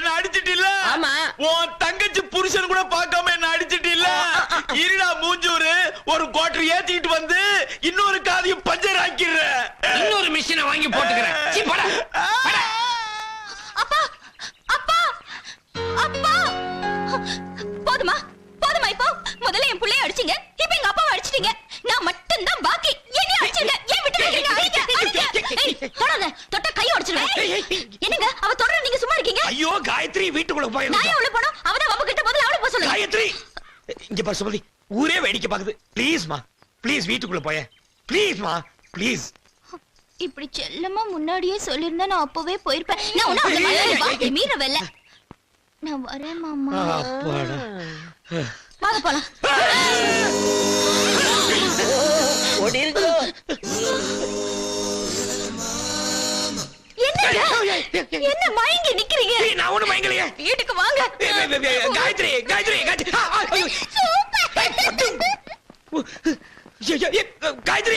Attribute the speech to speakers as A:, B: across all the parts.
A: என்ன அடிச்சிட்டில்ல?
B: ஆமா.
A: உன் தங்கச்சி புருஷன் கூட பார்க்காம என்ன அடிச்சிட்டில்ல? இருடா மூஞ்சூரு, ஒரு குவார்டர் ஏத்திட்டு வந்து இன்னொரு காதையும் பஞ்சர் ஆக்கிடுற.
C: இன்னொரு மிஷினை வாங்கி போட்டுக்கிறேன். சீ, போடா, போடா.
D: அப்பா அப்பா அப்பா போதுமா போதுமா? இப்போ முதல்ல என் புள்ளைய அடிச்சீங்க, இப்போ எங்க அப்பாவை அடிச்சிட்டீங்க. நான் மட்டும் தான் பாக்கி. என்னைய அடிச்சீங்க, ஏன் விட்டு வைக்கிறீங்க? அடிங்க, அடிங்க. ஏய், தொடாத, தொட்டா கை உடைச்சிடுவேன். என்னங்க அவ தொடர, நீங்க சும்மா இருக்கீங்க?
A: ஐயோ காயத்ரி, வீட்டுக்குள்ள போய்
D: நான் ஏன் உள்ள போறோம்? அவதான் அவ கிட்ட முதல்ல அவளை போக சொல்லுங்க.
A: காயத்ரி, இங்க பாரு சுமதி, ஊரே வேடிக்கை பாக்குது. ப்ளீஸ்மா, ப்ளீஸ் வீட்டுக்குள்ள போய. ப்ளீஸ்மா, ப்ளீஸ்.
D: இப்படி செல்லமா முன்னாடியே சொல்லிருந்தா நான் அப்பவே போயிருப்பேன். நான் உன்ன அந்த மாதிரி வாக்கி மீறவல்ல. நான் வரேன் மாமா.
A: அப்பாடா.
D: வாங்க போலாம்.
B: ஓடிருங்க.
D: என்னங்க என்ன மயங்கி நிக்கிறீங்க?
A: நான் ஒண்ணு மயங்கலையே.
D: வீட்டுக்கு வாங்க.
A: காயத்ரி, காயத்ரி, காயத்ரி. காயத்ரி,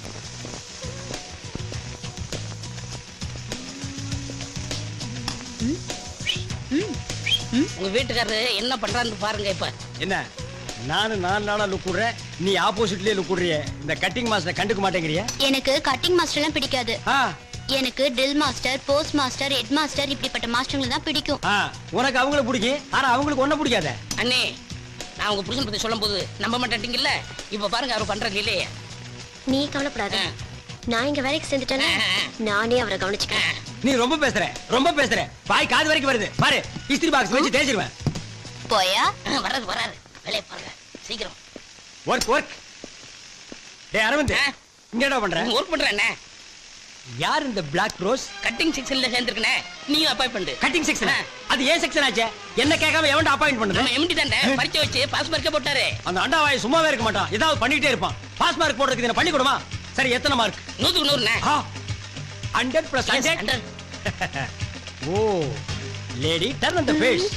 B: உங்க வீட்டுக்காரரு என்ன பண்றான்னு பாருங்க. இப்ப
E: என்ன நானும் 4 நாளா லுக் விடுறேன், நீ ஆப்போசிட்லயே லுக் விடுறிய. இந்த கட்டிங் மாஸ்டர் கண்டுக்க மாட்டேங்கிறிய?
D: எனக்கு கட்டிங் மாஸ்டர் எல்லாம் பிடிக்காது.
E: ஆ
D: எனக்கு drill master, post master, head master இப்படிப்பட்ட மாஸ்டர்களை தான் பிடிக்கும்.
E: ஆ உனக்கு அவங்கள பிடிக்கும், ஆனா அவங்களுக்கு ஒன்ன பிடிக்காத.
B: அண்ணே, நான் உங்க புருஷன் பத்தி சொல்லும் போது நம்ப மாட்டேங்கல்ல. இப்ப பாருங்க அவர் பண்றது இல்லையே.
D: நீ கவலைப்படாத, நான் இங்க வேலைக்கு சேர்ந்துட்டேன்னா நானே அவரை கவனிச்சுக்கிறேன்.
E: நீ ரொம்ப பேசுற, ரொம்ப பேசுற. வாய் காது வரைக்கும் வருது பாரு. இஸ்திரி பாக்ஸ் வச்சு தேய்ச்சிருவேன்.
D: போயா
B: வராது வராது. வேலையை பாருங்க சீக்கிரம்.
E: Work work. டேய் அரவிந்த், இங்க என்ன பண்ற?
B: ஒர்க் பண்றேன்.
E: யார் இந்த பிளாக் ரோஸ்?
B: கட்டிங் செக்ஷன்ல சேர்ந்திருக்கனே, நீங்க அப்பாயிண்ட் பண்ணு.
E: Cutting section? அது ஏன் செக்ஷன் ஆச்சே? என்ன கேட்காம எவன்டா அப்பாயிண்ட் பண்ணது?
B: நம்ம எம்டி தானே பரிச்சை வச்சு பாஸ் மார்க்கே போட்டாரு.
E: அந்த அண்டாவாய் சும்மாவே இருக்க மாட்டான், ஏதாவது பண்ணிட்டே இருப்பான். பாஸ் மார்க் போடுறதுக்கு என்ன பண்ணி கொடுமா? சரி, எத்தனை மார்க்?
B: 100க்கு 100.
E: 100+100. Oh lady turn on the face.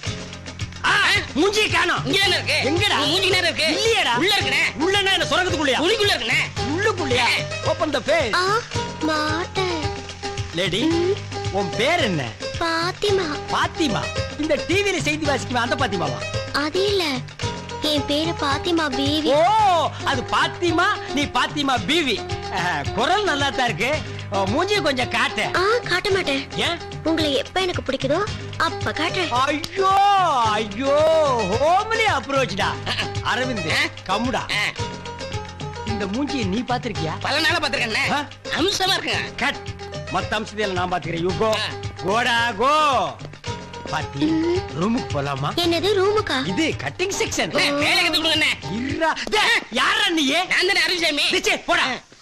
E: மூஞ்சி காணோம்.
B: இங்க என்ன இருக்கு?
E: எங்கடா?
B: மூஞ்சி நேரா இருக்கு.
E: இல்லையேடா.
B: உள்ள இருக்குனே.
E: உள்ளனா என்ன சொரகத்துக்குள்ளயா?
B: உளிக்குள்ள இருக்குனே.
E: உள்ளுக்குள்ளயா? Open the face.
D: மாட்டேன்.
E: லேடி, உன் பேர் என்ன?
D: பாத்திமா.
E: பாத்திமா? இந்த டிவில செய்தி வாசிக்குமா அந்த பாத்திமாவா?
D: அது இல்ல, என் பேரு பாத்திமா பீவி.
E: ஓ, அது பாத்திமா, நீ பாத்திமா பீவி. குரல் நல்லா தான் இருக்கு. மூஞ்சி கொஞ்சம் காட்டு.
D: காட்ட மாட்டேன்.
E: ஏன்?
D: உங்களை எப்ப எனக்கு பிடிக்குதோ அப்ப காட்டுறேன்.
E: ஐயோ ஐயோ, ஹோம்லி அப்ரோச்டா. அரவிந்த் கம்முடா. இந்த மூஞ்சியை நீ பாத்திருக்கியா?
B: பல நாளா பாத்துறேன். அம்சமா இருக்குங்க.
E: கட். மத்த அம்சத்தை நான் பாத்துக்கிறேன். You go. கோடா கோ. பாத்தி, ரூமுக்கு போலாமா?
D: என்னது ரூமுக்கா?
E: இது கட்டிங் செக்ஷன்.
B: வேலை கத்து கொடுங்க.
E: இருடா. யாரா நீ?
B: நான் தானே அருள்சாமி.
E: நிச்சே போடா.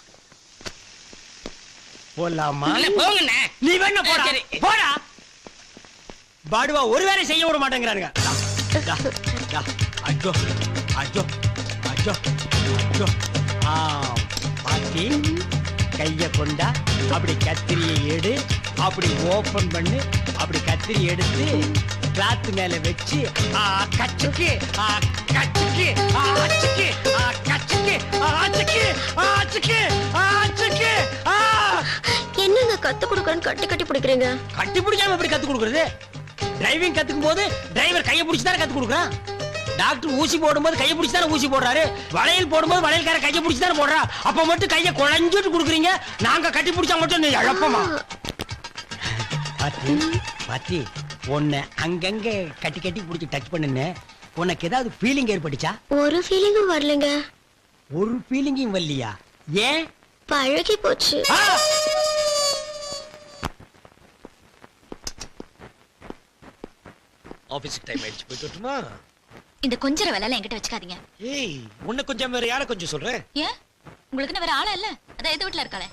E: போலாமா?
B: போங்க.
E: நீ வேணா போடா. போடா. பாடுவா ஒரு வேலை செய்ய விட மாட்டேங்கிறானுங்க. ஐயோ ஐயோ ஐயோ ஐயோ. பாத்தி, கைய கொண்டா. அப்படி கத்திரியை எடு. அப்படி ஓபன் பண்ணு. அப்படி கத்திரி எடுத்து கிளாத் மேல வச்சு கச்சுக்கு கச்சுக்கு அச்சுக்கு கச்சுக்கு அச்சுக்கு அச்சுக்கு அச்சுக்கு.
D: என்னங்க கத்து கொடுக்கறேன்னு கட்டி கட்டி பிடிக்கிறீங்க?
E: கட்டி பிடிக்காம எப்படி கத்து கொடுக்கறது? டிரைவிங் கத்துக்கும் போது டிரைவர் கையை பிடிச்சு தானே கத்து கொடுக்குறான். டாக்டர் ஊசி போடும்போது கையை பிடிச்சு தானே ஊசி போடுறாரு. வளையல் போடும்போது வளையல்கார கையை பிடிச்சு தானே போடுறா. அப்ப மட்டும் கையை குழஞ்சிட்டு கொடுக்குறீங்க. நாங்க கட்டி பிடிச்சா மட்டும் நீ இழப்பமா? பாத்தி பாத்தி, உன்னை அங்கங்க கட்டி கட்டி பிடிச்சி டச் பண்ணுன்னு உனக்கு ஏதாவது ஃபீலிங் ஏற்பட்டுச்சா?
D: ஒரு ஃபீலிங்கும் வரலங்க.
E: ஒரு ஃபீலிங்கும் வரலையா? ஏன்?
D: பழகி போச்சு.
A: ஆபீஸ்க்கு டைம் ஆயிடுச்சு, போயிட்டு வரட்டுமா?
D: இந்த கொஞ்சர வேலை எல்லாம் என்கிட்ட வச்சுக்காதீங்க.
A: ஏய், உன்னை கொஞ்சம் வேற யாரை கொஞ்சம் சொல்றேன்?
D: ஏன்? உங்களுக்கு வேற ஆளா இல்ல? அதான் எது வீட்டுல இருக்காளே.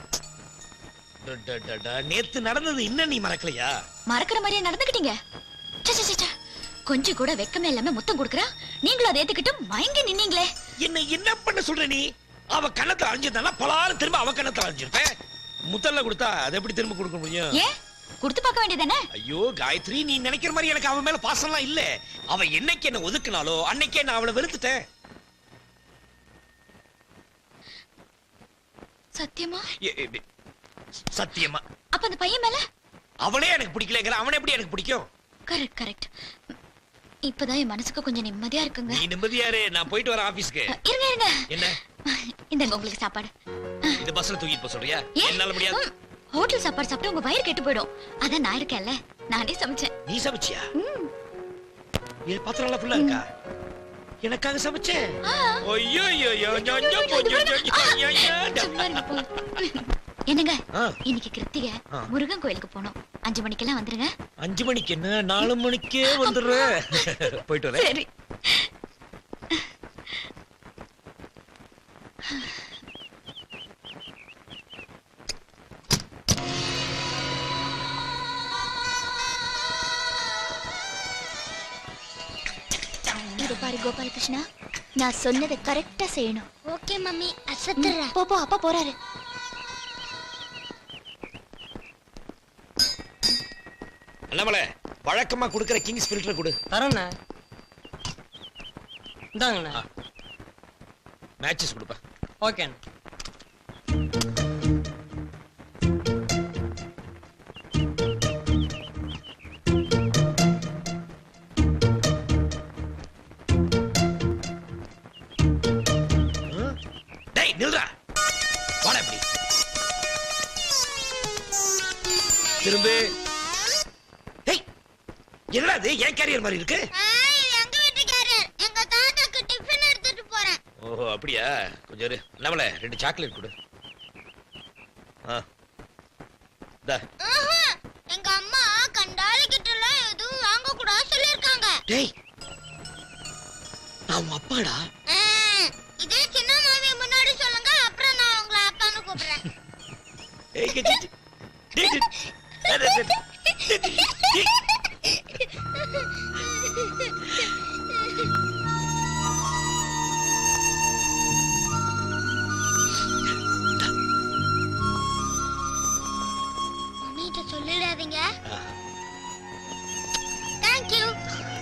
A: நேத்து நடந்தது இன்னும் நீ மறக்கலையா?
D: மறக்கிற மாதிரியே நடந்துக்கிட்டீங்க. கொஞ்சம் கூட வெக்கமே இல்லாம முத்தம் கொடுக்கறா, நீங்களும் அதை ஏத்துக்கிட்டு மயங்கி நின்னீங்களே.
A: என்ன பண்ண சொல்ற நீ? அவ கண்ணத்தை அழிஞ்சிருந்தா பலாறு திரும்ப அவ கண்ணத்தை அழிஞ்சிருப்பேன். முதல்ல கொடுத்தா அதை எப்படி திரும்ப கொடுக்க முடியும்?
D: ஏன் கொடுத்து பார்க்க வேண்டியதானே?
A: ஐயோ காயத்ரி, நீ நினைக்கிற மாதிரி எனக்கு அவன் மேல பாசம்லாம் இல்ல. அவ என்னைக்கு என்ன ஒதுக்குனாலோ அன்னைக்கே நான் அவளை வெறுத்துட்டேன்.
D: சத்தியமா?
A: சத்தியமா.
D: அப்ப அந்த பையன் மேல?
A: அவளே எனக்கு பிடிக்கலங்கிற, அவனை எப்படி எனக்கு பிடிக்கும்?
D: Correct correct. இப்பதான் என் மனசுக்கு கொஞ்சம் நிம்மதியா இருக்குங்க.
A: நீ நிம்மதியாரு, நான் போயிட்டு வரேன் ஆபீஸ்க்கு.
D: இருங்க இருங்க.
A: என்ன
D: இந்தங்க உங்களுக்கு சாப்பாடு.
A: இது பஸ்ல தூக்கிட்டு போக சொல்றியா?
D: ஏன்?
A: என்னால முடியாது.
D: ஹோட்டல் சாப்பாடு சாப்பிட்டு உங்க வயிறு கெட்டு போயிடும். அதான் நான் இருக்கேன்ல, நானே சமைச்சேன்.
A: நீ சமைச்சியா? இது பாத்திரம் எல்லாம் ஃபுல்லா இருக்கா? எனக்காக சமைச்சேன். ஐயோ ஐயோ ஐயோ
D: சும்மா இருங்க போ. என்னங்க
A: ஆ.
D: இன்னைக்கு கிருத்திகை,
A: ஆ.
D: முருகன் கோயிலுக்கு போனோம். 5 மணிக்கெல்லாம் வந்துருங்க.
A: 5 மணிக்கு என்ன, 4 மணிக்கே வந்துடுறேன். போயிட்டு வரேன்.
D: சரி. இது பாரு கோபாலகிருஷ்ணா, நான் சொன்னதை கரெக்டா செய்யணும். ஓகே மம்மி, அசத்துறேன். போ போ, அப்பா போறாரு.
A: அண்ணாமலை, வழக்கமா குடுக்குற கிங்ஸ் ஃபில்டர் கொடு.
E: தரேண்ணே. இந்தாங்கண்ணே.
A: மேட்சஸ் கொடுப்பா.
E: ஓகேண்ணே.
A: டேய் நில்றா. வாடா இப்படி. திரும்பு. டேய் என்னடா இது, ஏன் கேரியர் மாதிரி இருக்கு?
D: எங்க வீட்டு கேரியர், எங்க தாத்தாக்கு டிஃபன் எடுத்துட்டு போறேன்.
A: ஓஹோ அப்படியா, கொஞ்சம் இரு. அண்ணாமலை 2 சாக்லேட் கொடு. டா.
D: எங்க அம்மா கண்டாலி கிட்ட எல்லாம் எதுவும் வாங்க கூடாது சொல்லிருக்காங்க.
A: டேய் நான் உன் அப்பாடா.
D: இதே சின்ன மாமி முன்னாடி சொல்லுங்க, அப்புறம் நான் உங்களை அப்பான்னு கூப்பிடுறேன்.
A: ஏய் டேய் டேய் டேய்.
D: மம்மிட்ட சொல்லிடாதீங்க. Thank you.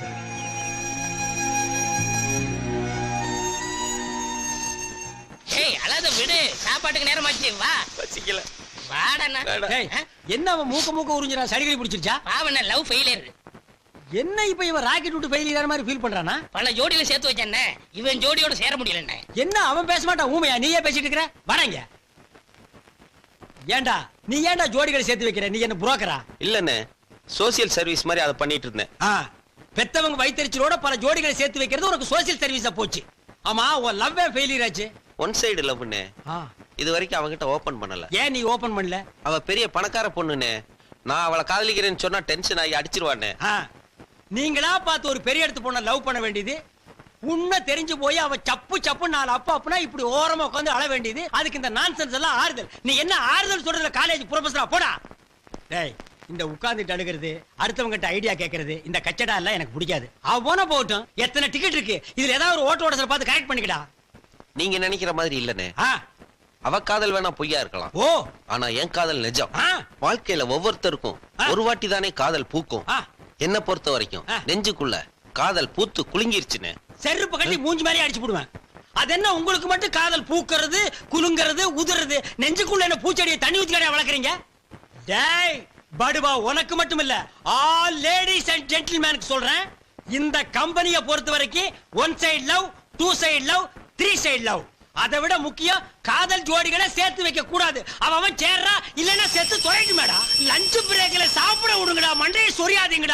B: ஏய் அழாத விடு, சாப்பாட்டுக்கு நேரமாச்சு, வா.
A: பசிக்கல.
B: வாடண்ணா.
E: டேய், என்ன அவன் மூக்க உறிஞ்சிரா? சளிகடி பிடிச்சிருச்சா?
B: பாவண்ண லவ் ஃபெயிலியர்.
E: என்ன இப்ப இவன் ராக்கெட் விட்டு ஃபெயிலியர் மாதிரி ஃபீல் பண்றானா?
B: பல ஜோடியில சேர்த்து வச்சேன்ன, இவன் ஜோடியோட சேர முடியலண்ணே.
E: என்ன அவன் பேச மாட்டான், ஊமையா? நீயே பேசிட்டு இருக்கிற. வராங்க. ஏன்டா நீ ஏன்டா ஜோடிகளை சேர்த்து வைக்கிற? நீ என்ன புரோக்கரா?
F: இல்லண்ணே, சோசியல் சர்வீஸ் மாதிரி அதை பண்ணிட்டு இருந்தேன்.
E: பெத்தவங்க வயித்தறிச்சலோட பல ஜோடிகளை சேர்த்து வைக்கிறது உனக்கு சோசியல் சர்வீஸா போச்சு. ஆமா, உன் லவ்வே ஃபெயிலியர் ஆச்சு.
F: ஒன் சைடு லவ்னே. இது வரைக்கும் அவகிட்ட ஓபன் பண்ணல.
E: ஏன் நீ ஓபன் பண்ணல?
F: அவ பெரிய பணக்கார பொண்ணுனே. நான் அவளை காதலிக்கிறேன்னு சொன்னா டென்ஷன் ஆகி அடிச்சிருவானே.
E: நீங்களா பார்த்து ஒரு பெரிய இடத்து பொண்ண லவ் பண்ண வேண்டியது, உன்ன தெரிஞ்சு போய் அவ சப்பு சப்பு 4 அப்பா இப்படி ஓரமா உட்காந்து அழ வேண்டியது. அதுக்கு இந்த நான்சென்ஸ் எல்லாம் ஆறுதல். நீ என்ன ஆறுதல் சொல்றதுல காலேஜ் ப்ரொஃபஸரா போடா. டேய், இந்த உட்கார்ந்துட்டு அழுகிறது, அடுத்தவங்க கிட்ட ஐடியா கேட்கறது, இந்த கச்சடா எல்லாம் எனக்கு பிடிக்காது. அவ போன போகட்டும். எத்தனை டிக்கெட் இருக்கு, இதுல ஏதாவது ஒரு ஓட்ட ஓடசல பார்த்து கரெக்ட் பண்ணிக்கடா.
F: நீங்க நினைக்கிற மாதிரி இல்லனே.
E: ஆ,
F: அவ காதல் வேணா பொய்யா இருக்கலாம்.
E: ஓ,
F: ஆனா என் காதல் நிஜம்.
E: ஆ,
F: வாழ்க்கையில ஒவ்வொருத்தருக்கும் ஒரு வாட்டி தானே காதல் பூக்கும்.
E: ஆ.
F: என்ன பொறுத்த வரைக்கும் நெஞ்சுக்குள்ள காதல் பூத்து குலுங்கிருச்சுன்னு.
E: செருப்பு கட்டி மூஞ்சி மாதிரி அடிச்சு போடுவேன். அது என்ன உங்களுக்கு மட்டும் காதல் பூக்கிறது, குலுங்கிறது, உதுறது? நெஞ்சுக்குள்ள என்ன பூச்செடியை தண்ணி ஊத்தி வளர்க்குறீங்க? டேய் படுவா, உனக்கு மட்டும் இல்ல, ஆல் லேடிஸ் அண்ட் ஜென்டில்மேனுக்கு சொல்றேன். இந்த கம்பெனியை பொறுத்த வரைக்கும் 1 side love, 2 side love, 3 side love. அதை விட முக்கியம், காதல் ஜோடிகளை சேர்த்து வைக்க கூடாது. அவன் சேர்றா, இல்லன்னா செத்து தொலைட்டு மேடா. லஞ்ச் பிரேக்ல சாப்பிட விடுங்கடா, மண்டையை சொரியாதீங்கடா.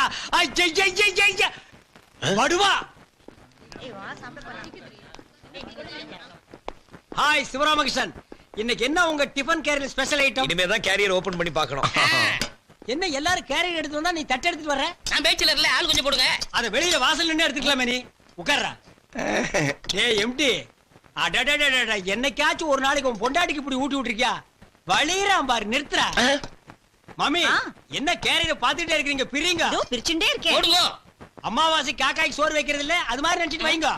E: படுவா. ஹாய் சிவராமகிருஷ்ணன், இன்னைக்கு என்ன உங்க டிபன் கேரியர் ஸ்பெஷல் ஐட்டம்?
A: இனிமே தான் கேரியர் ஓபன் பண்ணி பார்க்கணும்.
E: என்ன எல்லாரும் கேரியர் எடுத்து வந்தா நீ தட்டு எடுத்துட்டு வர்ற?
B: நான் பேச்சுலர்ல ஆள் கொஞ்சம் போடுங்க.
E: அத வெளியில வாசல்ல நின்னு எடுத்துக்கலாமே. நீ உட்கார்றா. டேய் எம்டி, அடடடடட, என்னைக்காச்சும் ஒரு நாளைக்கு உன் பொண்டாட்டிக்கு இப்படி ஊட்டி விட்டுருக்கியா? வலிறான் பாரு, நிறுத்துறா. மாமி, என்ன கேரியர் பாத்துட்டே இருக்கீங்க? பிரிங்க.
D: பிரிச்சுட்டே இருக்கேன்.
B: போடுங்க.
E: அம்மாவாசை காக்காய்க்கு சோறு வைக்கிறது இல்ல, அது மாதிரி நினைச்சிட்டு வைங்க.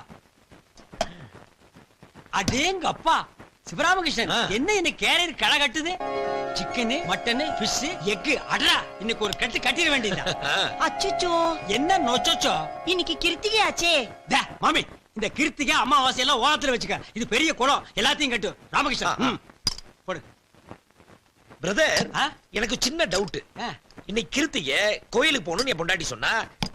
E: அடேங்க அப்பா, சிவராமகிருஷ்ணன், என்ன இன்னைக்கு கேரியர் களை கட்டுது? Chicken, mutton, fish, egg. அடடா, இன்னைக்கு ஒரு கட்டு கட்டிட வேண்டியதா?
D: அச்சச்சோ,
E: என்ன நொச்சோச்சோ?
D: இன்னைக்கு கிருத்திகை ஆச்சே.
E: மாமி, இந்த கிருத்திகை அமாவாசை எல்லாம் ஓரத்துல வச்சுக்க. இது பெரிய குளம், எல்லாத்தையும் கட்டு. ராமகிருஷ்ணன் போடு.
A: பிரதர், எனக்கு சின்ன டவுட். இன்னைக்கு கிருத்திகை கோயிலுக்கு போகணும்னு என் பொண்டாட்டி சொன்னா,